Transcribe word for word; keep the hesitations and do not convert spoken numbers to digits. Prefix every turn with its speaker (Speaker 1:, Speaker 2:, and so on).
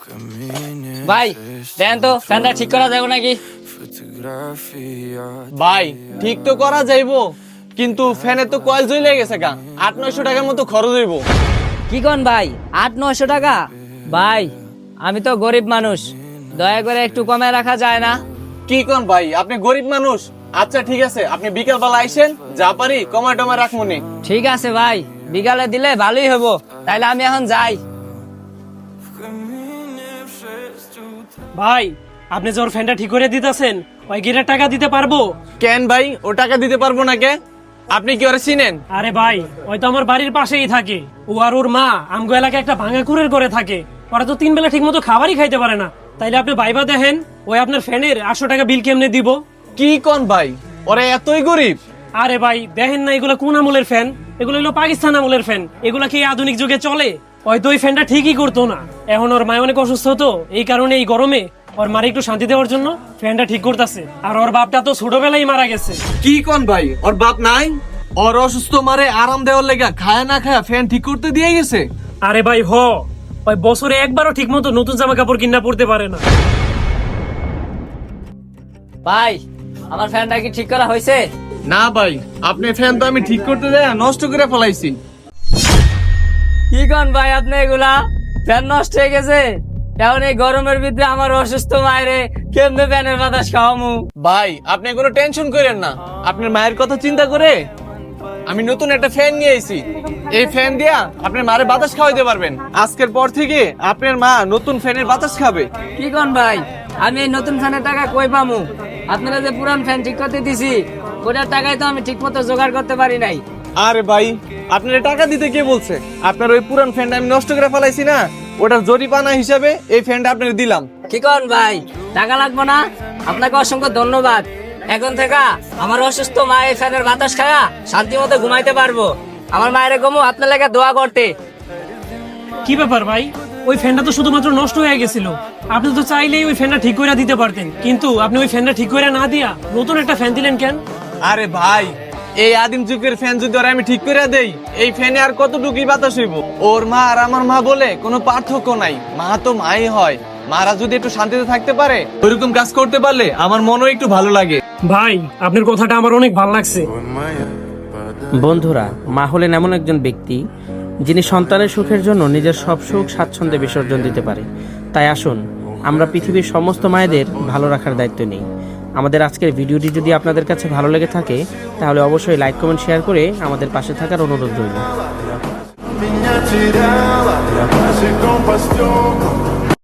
Speaker 1: ভাই দেন তো ফ্যানটা ঠিক করা যাবে নাকি?
Speaker 2: ভাই ঠিক তো করা যাইবো, কিন্তু ফ্যানের তো কয়েল জ্বলে গেছে গা, আট নয়শো টাকার মতো খরচ হইব।
Speaker 1: কি কোন ভাই, আট নয়শো টাকা? ভাই আমি তো গরিব মানুষ, দয়া করে একটু কমে রাখা যায় না?
Speaker 2: কি কোন ভাই, আপনি গরিব মানুষ? আচ্ছা ঠিক আছে, আপনি বিকেল বেলা আইসেন, যা পারি কমায় টমায় রাখমুনি।
Speaker 1: ঠিক আছে ভাই, বিকালে দিলে ভালোই হবো। তাইলে আমি এখন যাই।
Speaker 3: ভাই আপনি যে ওর ফ্যানটা ঠিক করে দিতেছেন, ওই গিরের টাকা দিতে পারবো?
Speaker 2: কেন ভাই, ও টাকা দিতে পারবো না কে? আপনি কি ওরা চিনেন?
Speaker 3: আরে ভাই ওই তো আমার বাড়ির পাশেই থাকে, ও আর ওর মা আমগো এলাকায় একটা ভাঙা কুড়ের করে থাকে। ওরা তো তিন বেলা ঠিক মতো খাবারই খাইতে পারে না। তাইলে আপনি ভাইবা দেখেন, ওই আপনার ফ্যানের আটশো টাকা বিল কেমনে দিব?
Speaker 2: কি কোন ভাই, ওরা এতই গরিব?
Speaker 3: আরে ভাই দেখেন না, এগুলো কোন আমলের ফ্যান? এগুলো হলো পাকিস্তান আমলের ফ্যান। এগুলা কি আধুনিক যুগে চলে? হয়তো ওই ফ্যানটা ঠিকই করতো না। এখন ওর মায় অনেক অসুস্থ হতো, এই কারণে এই গরমে ওর মারে একটু শান্তি দেওয়ার জন্য ফ্যানটা ঠিক করতেছে। আর ওর বাপটা তো ছোটবেলায় মারা গেছে।
Speaker 2: কি কোন ভাই, ওর বাপ নাই? ওর অসুস্থ মারে আরাম দেওয়ার লেগা খায় না খায় ফ্যান ঠিক করতে দিয়ে গেছে?
Speaker 3: আরে ভাই হ, ওই বছরে একবারও ঠিক মতো নতুন জামা কাপড় কিনা পড়তে পারে না।
Speaker 1: ভাই আমার ফ্যানটা কি ঠিক করা হয়েছে?
Speaker 2: না ভাই, আপনি ফ্যান তো আমি ঠিক করতে দেয় নষ্ট করে ফেলাইছি।
Speaker 1: কি কোন ভাই আপনি, এগুলা ফ্যান নষ্ট হয়ে গেছে? এখন এই গরমের ভিতরে আমার অসুস্থ মায়েরে কেমনে ফ্যানের বাতাস খাওয়ামু?
Speaker 2: ভাই আপনি কোনো টেনশন করেন না, আপনার মায়ের কথা চিন্তা করে আমি নতুন একটা ফ্যান নিয়ে আইছি। এই ফ্যান দিয়া আপনার মায়ের বাতাস খাওয়াইতে পারবেন। আজকের পর থেকে আপনার মা নতুন ফ্যানের বাতাস খাবে।
Speaker 1: কি কোন ভাই, আমি এই নতুন ফ্যানের টাকা কই পামু? আপনারা যে পুরান ফ্যান ঠিক করতে দিছি, ওটার টাকায় তো আমি ঠিক মতো জোগাড় করতে পারি নাই।
Speaker 2: আরে ভাই, আপনার টাকা দিতে কে বলছে? আপনার ওই পুরান ফ্যানটা আমি নষ্ট করে ফেলাইছি না, ওটার জরিপানা হিসাবে এই ফ্যানটা আপনার দিলাম।
Speaker 1: কি কোন ভাই, টাকা লাগবে না? আপনাকে অসংখ্য ধন্যবাদ। এখন থেকে আমার অসুস্থ মা এই ফ্যানের বাতাস খায়া শান্তি মতো ঘুমাইতে পারবো। আমার মায়ের গমু আপনার লেগে দোয়া করতে।
Speaker 3: কি ব্যাপার ভাই, ওই ফ্যানটা তো শুধুমাত্র নষ্ট হয়ে গেছিল। আপনি তো চাইলেই ওই ফ্যানটা ঠিক করে দিতে পারতেন, কিন্তু আপনি ওই ফ্যানটা ঠিক করে না দিয়া নতুন একটা ফ্যান দিলেন কেন?
Speaker 2: আরে ভাই, এই আদিম যুগের ফ্যান যদি ওরা আমি ঠিক করে দেই, এই ফ্যানে আর কতটুকুই বাতাস হইব? ওর মা আর আমার মা বলে কোনো পার্থক্য নাই। মা তো মাই হয়। মারা যদি একটু শান্তিতে থাকতে পারে, ওইরকম কাজ করতে পারলে আমার মনও একটু ভালো লাগে।
Speaker 3: ভাই আপনার কথাটা আমার অনেক ভালো লাগছে।
Speaker 4: বন্ধুরা, মা হলেন এমন একজন ব্যক্তি যিনি সন্তানের সুখের জন্য নিজের সব সুখ স্বাচ্ছন্দ্যে বিসর্জন দিতে পারে। তাই আসুন আমরা পৃথিবীর সমস্ত মায়েদের ভালো রাখার দায়িত্ব নিই। আমাদের আজকের ভিডিওটি যদি আপনাদের কাছে ভালো লেগে থাকে, তাহলে অবশ্যই লাইক কমেন্ট শেয়ার করে আমাদের পাশে থাকার অনুরোধ রইল।
Speaker 5: Minha tirela, se com pastor